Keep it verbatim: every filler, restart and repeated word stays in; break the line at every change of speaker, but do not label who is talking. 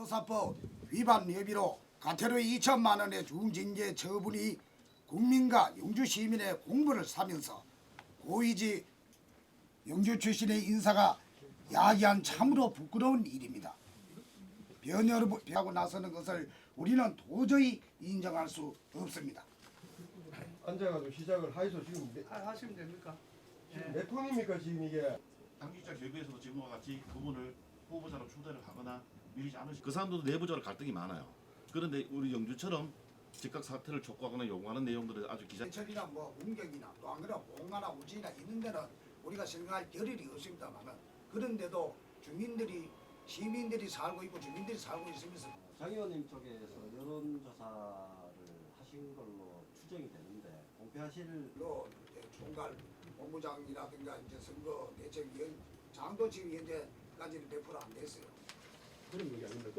형사법 위반 혐의로 과태료 이천만 원의 중징계 처분이 국민과 영주 시민의 공분을 사면서 고이지 영주 출신의 인사가 야기한 참으로 부끄러운 일입니다. 변호를 하고 나서는 것을 우리는 도저히 인정할 수 없습니다.
앉아가지고 시작을 하이소 지금 몇,
하- 하시면 됩니까?
지금 몇 톤입니까 지금 이게?
당직자 결부에서도 지금과 같이 그분을 후보자로 초대를 하거나 밀리지 않으시. 그 사람들도 내부적으로 갈등이 많아요. 그런데 우리 영주처럼 즉각 사퇴를 촉구하거나 요구하는 내용들을 아주 기자.
제철이나 뭐 문경이나 또 안 그러면 봉화나 우지나 있는 데는 우리가 생각할 겨를이 없습니다만은 그런데도 주민들이 시민들이 살고 있고 주민들이 살고 있으면서
장 의원님 쪽에서 여론조사를 하신 걸로 추정이 되는데 공표하실
또 이제 총괄 본부장이라든가 이제 선거 대책위원 장도 지금 현재까지는 백 퍼센트 안 됐어요.
그런 얘기 아닙니다.